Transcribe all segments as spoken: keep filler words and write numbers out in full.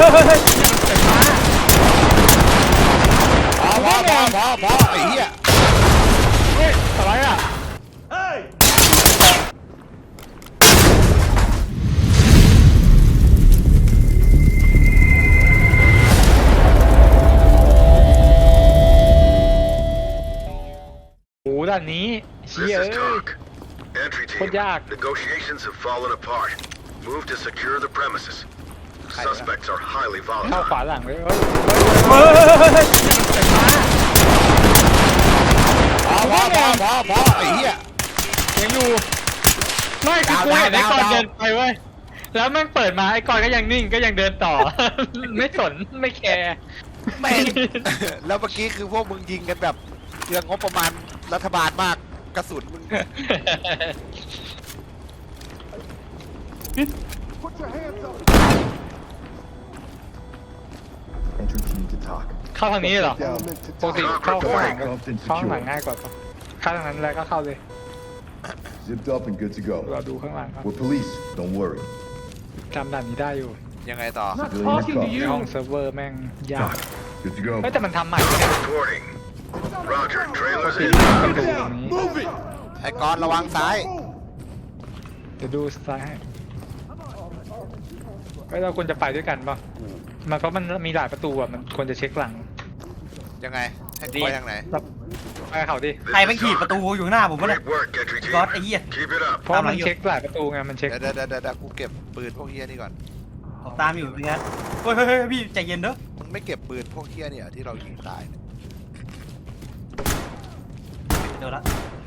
พอพอพอพอพอไอ้เหี้ยเฮ้ยอะไรอ่ะโอ้ด้านนี้เชี่ย This is เอ้ย talk. Entry team. โคตรยาก Negotiations have fallen apart. Move to secure the premises. Suspects are highly เข้า volatile. ขวาหลังเลยเฮ้ยพอพอพอพอพอไอ้เหี้ยยังอยู่ไม่คือกูเห็นไอ้กอนเดินไปเว้ยแล้วแม่งเปิดมาไอ้กอนก็ยังนิ่งก็ยังเดินต่อ ไม่สนไม่แคร์แม่งแล้วเมื่อกี้คือพวกมึงยิงกันแบบเรื่องงบประมาณรัฐบาลมากกระสุนมึง Entry team to talk. เข้าทางนี้เหรอ Element to ปกติ talk. เข้าข้างหลัง Cuffed and เข้าข้างหลัง secure. ง่ายกว่าปะเข้าทางนั้นแล้วก็เข้าเลย Zipped up and good to เรา go. ดูข้างหลังครับ We're police. Don't worry. จำด่านนี้ได้อยู่ยังไงต่อ Civilians cuffed. ห้องเซิร์ฟเวอร์แม่งยาก Good to go. เฮ้ยแต่มันทำใหม่เนี่ย Reporting. Roger. Trailers ปิด in. ประตูตรงนี้ไอ้กอนระวังซ้ายจะดูซ้ายให้เฮ้ยเราควรจะไปด้วยกันป่ะมันเพราะมันมีหลายประตูอ่ะมันควรจะเช็คหลังยังไงให้กูไปทางไหนเราไปกับเขาดิใครไปขีดประตูอยู่หน้าผมวะเนี่ย Great work, entry team. ก๊อตไอ้เหี้ย Keep it up. เพราะมันเช็คหลายประตูไงมันเช็คเดี๋ยวเดี๋ยวเดี๋ยวเดี๋ยวกูเก็บปืนพวกเฮียนี่ก่อนผมตามอยู่พี่แคทเฮ้ยเฮ้ยเฮ้ยพี่ใจเย็นเด้อมึงไม่เก็บปืนพวกเฮียเนี่ยที่เรายิงตายเนี่ยเดี๋ยวละ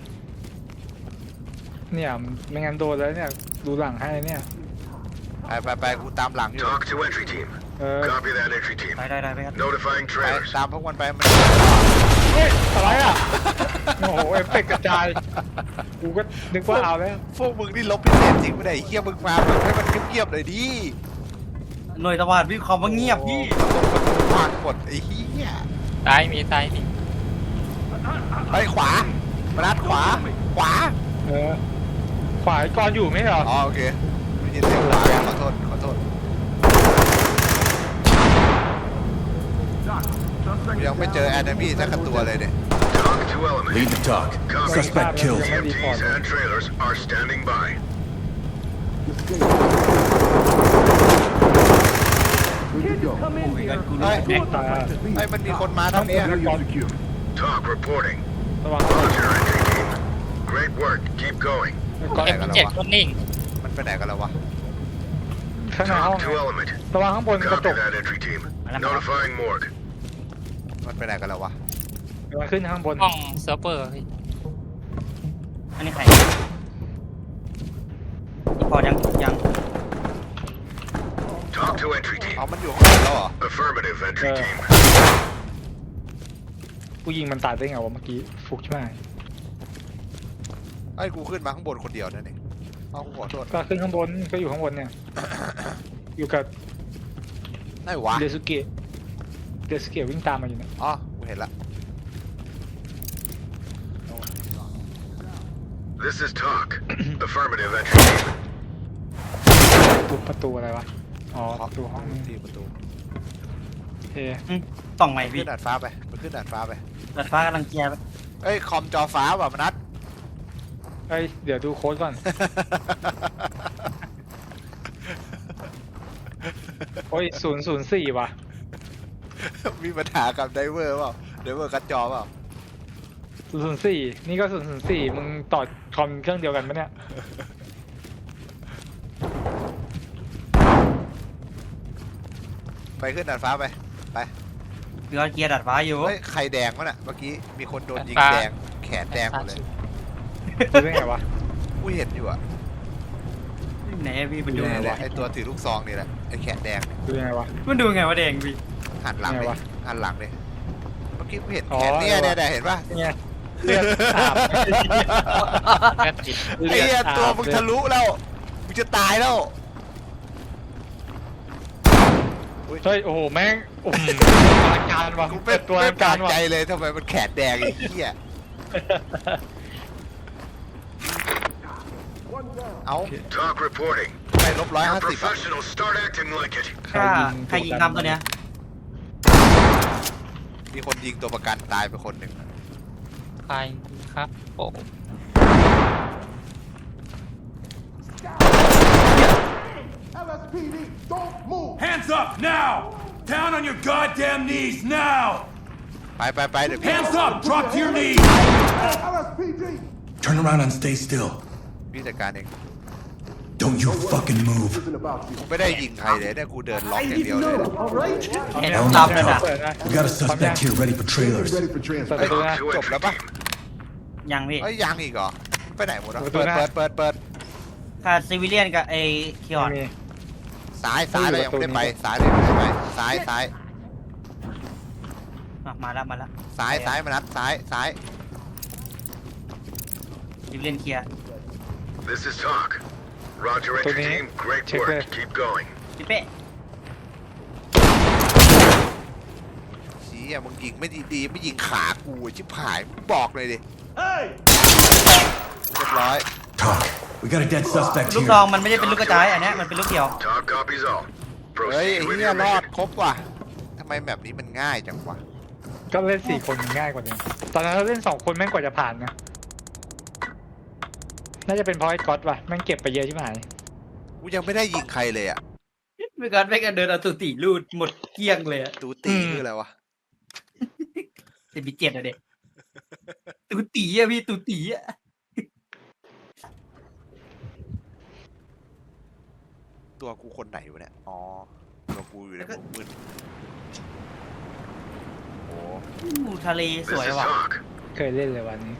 เนี่ยไม่งั้นโดนแล้วเนี่ยดูหลังให้เนี่ยไปไปไปกูตามหลังอยู่ Talk to entry team. เออ Copy that, entry team. ได้ได้ได้พี่แคท Notifying ไป trailers. ตามพวกมันไปมันเฮ้ยอะไรอ่ะโอ้โหเอฟเฟกต์กระจายกูก็นึกว่าเอาแล้วพวกมึงนี่ลบพิเศษจริงไม่ได้เฮียมึงมาแบบให้มันเงียบๆเลยดิหน่วยตะวันพี่คอมว่าเงียบพี่วางกดไอ้เฮียซ้ายมีซ้ายมีไปขวามานัดขวา ขวาเออฝ่ายกรอยู่ไหมเหรออ๋อโอเคไม่ยินเสียงขวาขอโทษขอโทษกูยังไม่เจอแอนิมี่สักตัวเลยเนี่ย Talk to element. Lead the talk. Copy. Suspect killed. E M Ts and trailers are standing by. Good to go. โอ้ยกันกูเฮ้ยแม็กตาเฮ้ยมันมีคนมาทางเนี้ย Area secure. Talk reporting. ระวัง Roger, entry team. Great work. Keep going. ก่อนเอ็มเจ็ดคนนิ่งมันไปไหนกันแล้ววะข้างในห้อง Talk to element. ระวังข้างบนกระจ Copy ก that, entry team. Notifying morgue. มันไปไหนกันแล้ววะระวังขึ้นข้างบนห้องเซิร์ฟเวอร์พี่อันนี้ใครพอยังยัง Talk to entry team. เอามันอยู่ข้างบนแล้วเหรอ Affirmative, entry Uh. team. กูยิงมันตายได้ไงวะเมื่อกี้ฟุกใช่ไหมไอ้ยกูขึ้นมาข้างบนคนเดียวนั่นเองเอากูขอโทษก็ขึ้นข้างบนก็อยู่ข้างบนเนี่ย อยู่กับไหนวะเดซุเกะเดซุเกะวิ่งตามมาอยู่เนี่ยอ๋อกูเห็นละ This is talk. Affirmative, entry team. ทุบประตูอะไรวะอ๋อประตูห้องนี้ที่ประตูเฮ้อืมต่องใหม่ขึ้พี่นดาดฟ้าไปมันขึ้นดาดฟ้าไปดัดฟ้ากำลังแกไปเอ้ยคอมจอฟ้าว่ะมนัดเอ้ยเดี๋ยวดูโค้ดก่อนโอ้ยศูนย์ศูนย์สี่ว่ะมีปัญหากับไดเวอร์เปล่าไดเวอร์กัดจอเปล่าศูนย์ศูนย์สี่นี่ก็ศูนย์ศูนย์สี่มึงต่อคอมเครื่องเดียวกันปะเนี่ยไปขึ้นดาดฟ้าไปไปพี่ก๊อตเกียร์ดัดฟ้าอยู่เฮ้ยใครแดงวะน่ะเมื่อกี้มีคนโดนยิงแดงแขนแดงหมดเลยดูได้ไงวะกูเห็นอยู่อะไหนอะพี่มันดูนี่ไงแหละวะไอตัวถือลูกซองนี่แหละไอแขนแดงดูยังไงวะมันดูไงวะแดงพี่หันหลังไงเลยวะหันหลังเลยเมื่อกี้กูเห็นอ๋อแขนเนี่ยเออเนี่ว่ะยเนี่ยเห็นป่ะเนี่ยเลือดอาบแค่ติดไอ้เหี้ยตัวมึงทะลุแล้วมึงจะตายแล้วเฮ้ยโอ้โหแม่งโอ้โหอลังการว่ะกูเป็นตัวอไม่ลังกาการรว่ะใจเลยทำไมมันแขนแดงไอ้เหี้ยเอา Talk reporting. ไปลบร้อย You're ห้าสิบ professionals. Start acting like it. ถ้าใครยิงทำตัวเนี้ยมีคนยิงตัวประกันตายไปคนหนึ่งใครครับโอ้ Hands up now! Down on your goddamn knees now! ไปไปไปเดี๋ยวพี่ Hands up! Drop to your knees! Turn around and stay still. พี่จัดการเอง Don't you fucking move. กูไม่ได้ยิงใครเลยเนี่ยกูเดินล็อกอย่างเดียวเลยเห็น Element ตามเลย to นะ talk. We got a suspect here ready for trailers. Ready for เปิด transport. ประตูนะ To จบ entry แล้วปะ team. ยังพี่เอ้ยยังอีกเหรอไปไหนหมดอ่ะประตูเปิดหน้าเปิดเปิดเปิดขาดซิวิเลียนกับไอ้คิออนมีซ้ายซ้ายอยู่เรายังไม่ได้ไปประตูนี้ซ้ายเรายังไม่ได้ไปซ้ายซ้ายอ่ะมาแล้วมาแล้วซ้ายซ้ายมานัดซ้ายซ้ายซิวิเลียนเคลียร์ This is talk. Roger, entry Tony, team. Great check work. there. Keep going. พี่เป้ชี้อ่ะมึงยิงไม่ดีดีไม่ยิงขากูชิบหายมึงบอกเลยดิเรียบร้อย Talk. We got a dead suspect ลูก here. ซองมันไม่ได้เป็นลูกกระจายอันเนี้ยมันเป็นลูกเดียว Talk copies all. เฮ้ย Proceed ไอ้ with เหี้ย your รอด mission. ครบว่ะทำไมแบบนี้มันง่ายจังวะก็เล่นสี่คนมันง่ายกว่านี้ตอนนั้นเราเล่นสองคนแม่งกว่าจะผ่านนะน่าจะเป็นเพราะไอ้ก๊อตว่ะแม่งเก็บไปเยอะใช่ไหมกูยังไม่ได้ยิงใครเลยอ่ะไม่กันไม่กันเดินเอาตุติลูดหมดเกลี้ยงเลยอะตูตีคืออะไรวะจะมีเจ็ดอะเด็กตุติอะพี่ตุติอะตัวกูคนไหนวะเนี่ยอ๋อตัวกูอยู่ในมุมมืดโอ้อู้ทะเลส This วย is ว่ะ talk. เคยเล่นเลยวันนี้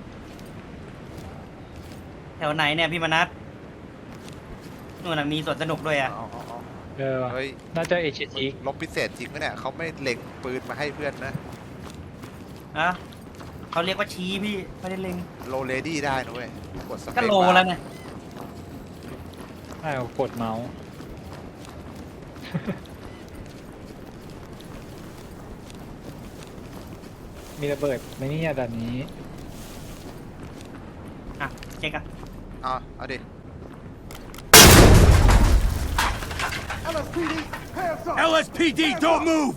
แถวไหนเนี่ยพี่มนัสนู่นน่ะมีสวนสนุกด้วยอ่ะเอาเอาเอาเออว่ะเฮ้ยน่าจะเอชอีกลบพิเศษจริงไหมเนี่ยเขาไม่เล็งปืนมาให้เพื่อนนะอะเขาเรียกว่าชี้พี่ไม่ได้เล็งโลเลดี้ได้นะเว้ยกดสเปก็คโลบาร์แล้วเนี่ยอ้าวกดเมาส์ มีระเบิดไหมเนี่ยด่านนี้อ่ะเช็คอ่ะเอาเอาดิ L S P D, don't move!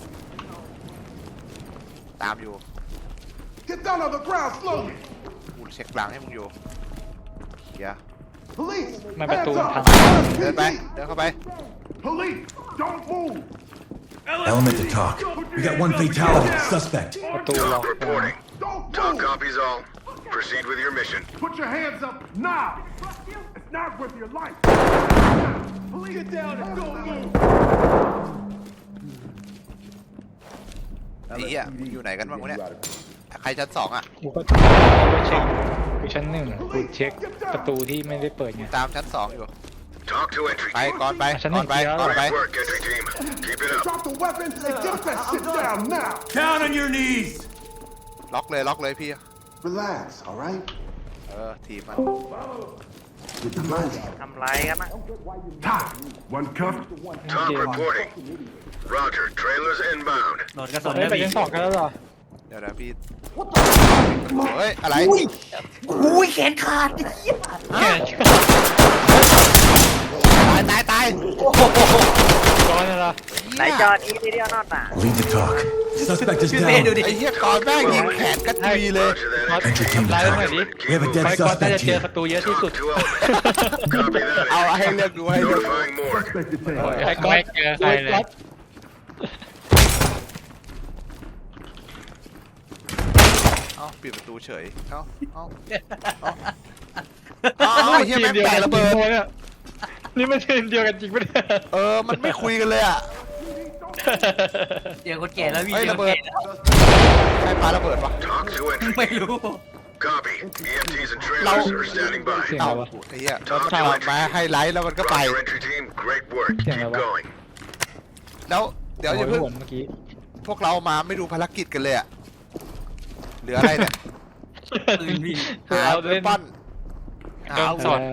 ตามอยู่ Get down on the ground slowly. กูเช็คหลังให้มึงอยู่เดี๋ยว Police, มันประตู hands มัน up. พังเดินไป เดินเข้าไป Police, don't move. Element to talk. We got one fatality. Suspect. ประตูล็อก Talk reporting. Don't Talk move. copies all. Proceed with your mission. Put your hands up now. It's not worth your life. Police, get down and don't move. ไอ้เหี้ยมึงอยู่ไหนกันบ้างวะเนี่ย ใครชั้นสองอ่ะกูก็เอาไปเช็คกูชั้นหนึ่งกูเช็คประตูที่ไม่ได้เปิดไงตามชั้นสองอยู่ Talk to entry ไป team. ก่อนไปชั้นหก่นึ่อนงไปเดียวก่อนไป Great work, entry team. Keep it up. Drop the weapons and get that shit down now. Down on your knees! ล็อกเลยล็อกเลยพี่ Relax, all right? เออทีมมัน Get the money. ทำไรกันนะ Top. One cuff. Talk Yeah. reporting. Roger, trailers inbound. โดนกระสุนเฮ้ยนะไปพี่ชั้นสองกันแล้วเหรอเดี๋ยวนะพี่ เฮ้ย อะไรอุ้ยแขนขาดแค่ตายตายตายก้อนเหรอไหนจอด Lead to talk. Suspect is พี่เป้ดู down. ดิไอ้เหี้ยก่อนแม่งยิงแขนกระจุยเลย Roger that. ก๊อต Entry team ทำลายมันหน่อยดิ talk. We have a ไป dead ก๊อตน่าจะ suspect เจอ here. ประตูเยอะที่สุด Talk to element. Copy เอา that. ให้เลือกดูให้เลือก Notifying morgue. Suspect detained. ไอ้ก๊อตไม่เจอใครเลยก๊อตเอ้าปิดประตูเฉย เอ้าเอ้าเอ้าเอ้าไอ้เหี้ยแม่งแตกระเบิดเนี่ยนี่มันทีมเดียวกันจริงปะเนี่ยเออ มันไม่คุยกันเลยอ่ะเจอคนแก่แล้วพี่เฮ้ยเจอระคนเบิดแก่แล้วใครปาระเบิดวะ Talk to entry ไม่ team. รู้ Copy. E M Ts and trailers are standing by. เสียงเอ้าอะไรวะไอ้เหี้ยเราถอดมาให้ไลท์แล้วมันก็ไป Roger, entry team. Great work. Yeah, Keep well. going. แล้วเดี๋ยวอย่าโอ้เพิ่ยงหัวเมื่อกี้พวกเรามาไม่ดูภารกิจกันเลยอ่ะ เหลืออะไรเนี่ยปืนพี่หาเอาเวเล่นปอนหาโดนอาสวุดธ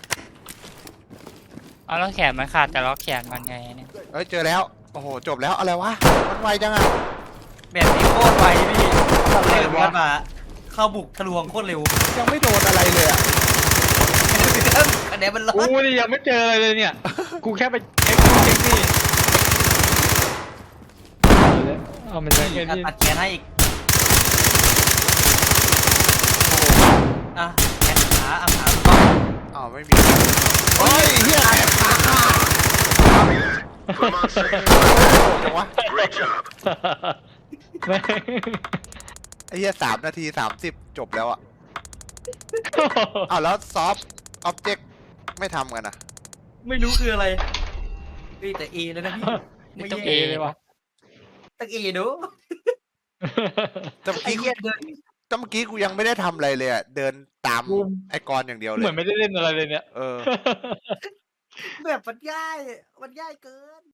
เอาแล้วแขนมันขาดแต่ล็อกแขนมันไงเนี่ยเอ้ยเจอแล้ว โอ้โห จบแล้วอะไรวะ มันไวจังอ่ะแบบนี้โคตรไวพี่เร็วกันมาเข้าบุกทะลวงโคตรเร็วยังไม่โดนอะไรเลยอ่ะอันนี้มันร้อโอ้นยยังไม่เจออะไรเลยเนี่ยกูแค่ไปเช็คนู่นเช็คนี่เอามันจะแค่อ่ะนี้ตัดแขนให้อีกอ่ะแขนขาอ่ะขาก็อ้าวไม่มีเฮ้ยเฮียแขนขาขาด Copy that. Put them on safe. จังวะ Great job. แม่งไอ้เฮียสามนาทีสามสิบจบแล้วอ่ะอ้าวแล้วซอฟต์ออบเจกต์ไม่ทำกันอ่ะไม่รู้คืออะไรเฮ้ยแต่เอเลยนะพี่นี่ต้องแย่เอเลยวะตั้งเอดูแต่เมื่อไอ้กี้เหี้ยเดินแต่เมื่อกี้กูยังไม่ได้ทำอะไรเลยอ่ะเดินตามไอ้กรอย่างเดียวเลเหมือย นไม่ได้เล่นอะไรเลยเนี่ยเออแบบมันง่ายมันง่ายเกิน